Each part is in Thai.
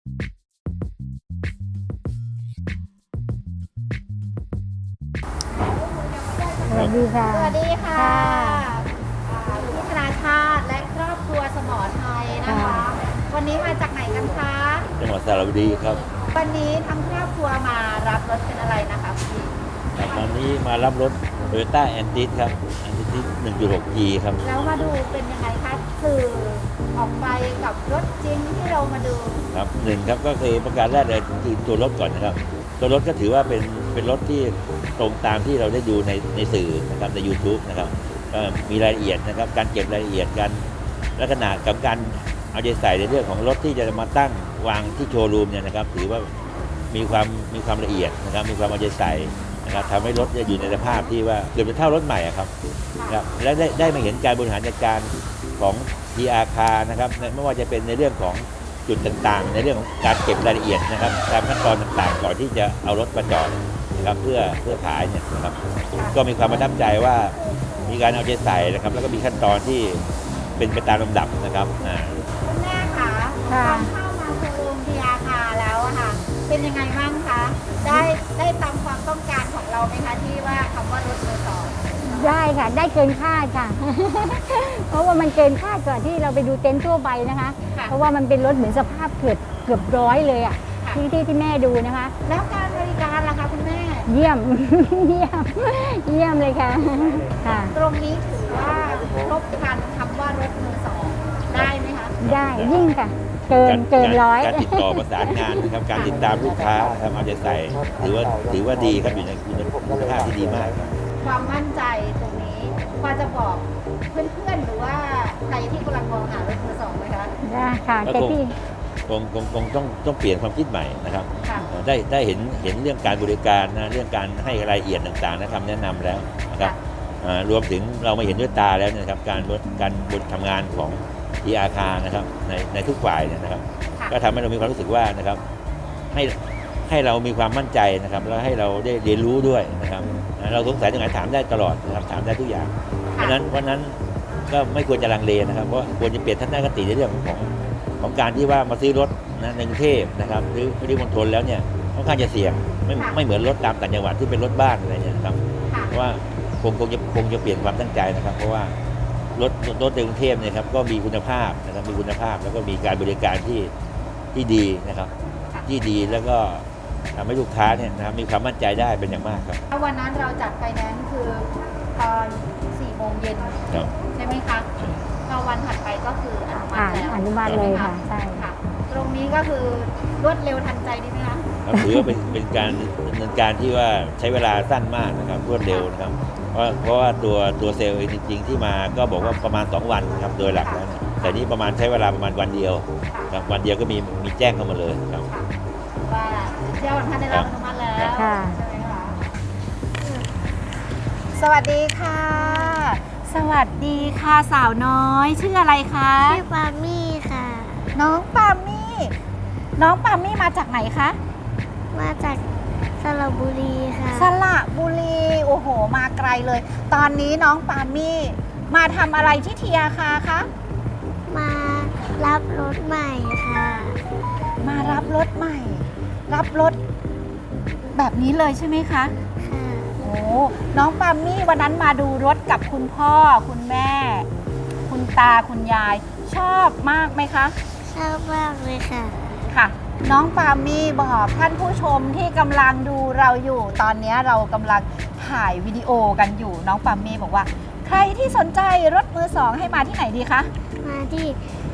สวัสดีค่ะสวัสดีค่ะพี่ธนาชาติและครอบครัวสมอไทยนะคะ วันนี้มาจากไหนกันคะจังหวัดสระบุรีครับวันนี้ทั้งครอบครัวมารับรถเป็นอะไรนะคะพี่วันนี้มารับรถ Toyota Antis ครับ Antis 1.6G ครับแล้วมาดูเป็นยังไงคะสื่อออกไปกับรถจริงที่เรามาดูครับหนึ่งครับก็คือประการแรกเลยคือตัวรถก่อนนะครับ ตัวรถก็ถือว่าเป็นรถที่ตรงตามที่เราได้ดูในสื่อนะครับใน YouTube นะครับก็มีรายละเอียดนะครับการเก็บรายละเอียดกันลักษณะกับการเอาใจใส่ในเรื่องของรถที่จะมาตั้งวางที่โชว์รูมเนี่ยนะครับถือว่ามีความละเอียดนะครับมีความเอาใจใส่นะครับทำให้รถอยู่ในสภาพที่ว่าเกือบจะเท่ารถใหม่อะครับนะครับและได้มาเห็นการบริหารจัดการของ TR Car นะครับไม่ว่าจะเป็นในเรื่องของจุดต่างๆในเรื่องของการเก็บรายละเอียดนะครับตามขั้นตอนต่างๆก่อนที่จะเอารถมาจอดนะครับเพื่อขายเนี่ยนะครับก็มีความประทับใจว่ามีการเอาใจใส่นะครับแล้วก็มีขั้นตอนที่เป็นไปตามลำดับนะครับคุณแม่คะตอนเข้ามาโชว์รูมทีอาคาแล้วอะค่ะเป็นยังไงบ้างคะได้ตามความต้องการของเราไหมคะที่ว่าคำว่ารถมือสองได้ค่ะ ได้เกินคาดค่ะ เพราะว่ามันเกินคาดกว่าที่เราไปดูเต็นท์ทั่วไปนะคะ เพราะว่ามันเป็นรถเหมือนสภาพเกือบร้อยเลยอ่ะที่แม่ดูนะคะแล้วการบริการล่ะคะคุณแม่เยี่ยม เยี่ยมเลยค่ะค่ะตรงนี้ถือว่าครบครันคำว่ารถมือสองได้ไหมคะได้ยิ่งค่ะ เกินร้อยการติดต่อประสานงานนะครับการติดตามลูกค้านะครับเอาใจใส่ถือว่าดีครับอยู่ในคุณภาพที่ดีมากครับความมั่นใจตรงนี้พอจะบอกเพื่อนๆหรือว่าใครที่กำลังมองหารถมือสองไหมคะได้ค่ะแต่ที่คงต้องเปลี่ยนความคิดใหม่นะครับค่ะได้เห็นเรื่องการบริการนะเรื่องการให้รายละเอียดต่างๆนะคำแนะนำแล้วนะครับรวมถึงเรามาเห็นด้วยตาแล้วนะครับการทำงานของที่อาคารนะครับในทุกฝ่ายเนี่ยนะครับก็ทำให้เรามีความรู้สึกว่านะครับให้เรามีความมั่นใจนะครับแล้วให้เราได้เรียนรู้ด้วยนะครับเราสงสัยตรงไหนถามได้ตลอดนะครับถามได้ทุกอย่างเพราะนั้นก็ไม่ควรจะลังเลนะครับเพราะควรจะเปลี่ยนทัศนคติในเรื่องของการที่ว่ามาซื้อรถนะในกรุงเทพนะครับหรือปริมณฑลแล้วเนี่ยค่อนข้างจะเสี่ยงไม่เหมือนรถตามต่างจังหวัดที่เป็นรถบ้านอะไรเนี่ยครับเพราะว่าคงจะเปลี่ยนความตั้งใจนะครับเพราะว่ารถในกรุงเทพเนี่ยครับก็มีคุณภาพนะครับมีคุณภาพแล้วก็มีการบริการที่ดีนะครับที่ดีแล้วก็ทำให้ลูกค้าเนี่ยนะครับมีความมั่นใจได้เป็นอย่างมากครับวันนั้นเราจัดไฟแนนซ์คือตอน4 โมงเย็นใช่ไหมคะพอวันถัดไปก็คืออนุมัติแล้วอนุมัติเลยค่ะใช่ค่ะตรงนี้ก็คือรวดเร็วทันใจดีไหมคะถือว่าเป็นการดำเนินการที่ว่าใช้เวลาสั้นมากนะครับรวดเร็วนะครับเพราะว่าตัวเซลล์จริงๆที่มาก็บอกว่าประมาณ2 วันครับโดยหลักแล้วนะแต่นี่ประมาณใช้เวลาประมาณวันเดียวครับวันเดียวก็มีแจ้งเข้ามาเลยครับว่าเจ้าท่านได้รับอนุมัติแล้วใช่ไหมคะสวัสดีค่ะ สวัสดีค่ะสาวน้อยชื่ออะไรคะชื่อปามี่ค่ะน้องปามี่มาจากไหนคะมาจากสระบุรีค่ะสระบุรีโอ้โหมาไกลเลย ตอนนี้น้องปามี่มาทำอะไรที่ทีอาคาคะมารับรถใหม่ค่ะมารับรถใหม่ รับรถแบบนี้เลยใช่ไหมคะค่ะโอ้น้องปามี่วันนั้นมาดูรถกับคุณพ่อคุณแม่ คุณตาคุณยายชอบมากไหมคะชอบมากเลยค่ะค่ะน้องปามี่บอกท่านผู้ชมที่กำลังดูเราอยู่ตอนนี้เรากำลังถ่ายวิดีโอกันอยู่น้องปามี่บอกว่าใครที่สนใจรถมือสองให้มาที่ไหนดีคะมาที่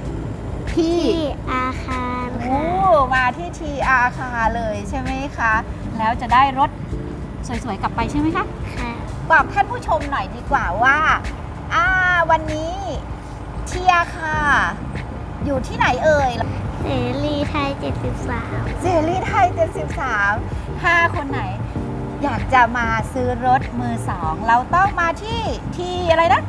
อาคารโอ้มาที่ทีอาคาเลยใช่ไหมคะแล้วจะได้รถสวยๆกลับไปใช่ไหมคะค่ะบอกท่านผู้ชมหน่อยดีกว่าว่าวันนี้ทีอาคาอยู่ที่ไหนเอ่ยเสรีไทย73 เสรีไทย73ถ้าคนไหนอยากจะมาซื้อรถมือสองเราต้องมาที่อะไรนะ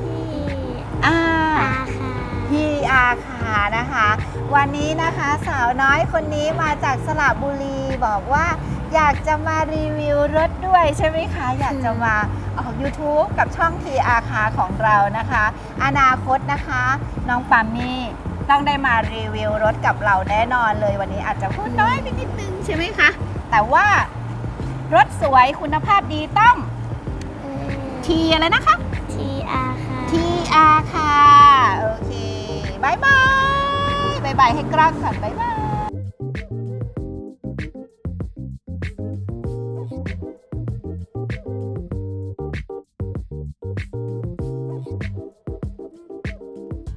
ที่อาคานะคะวันนี้นะคะสาวน้อยคนนี้มาจากสระบุรีบอกว่าอยากจะมารีวิวรถด้วยใช่ไหมคะอยากจะมาออก YouTube กับช่องทีอาคาของเรานะคะอนาคตนะคะน้องปามี่ต้องได้มารีวิวรถกับเราแน่นอนเลยวันนี้อาจจะพูดน้อยไปนิดนึงใช่ไหมคะแต่ว่ารถสวยคุณภาพดีต้องทีอะไรนะคะ TR ค่ะ TR ค่ะโอเคบายบายบายบายให้กล้องก่อนบายบาย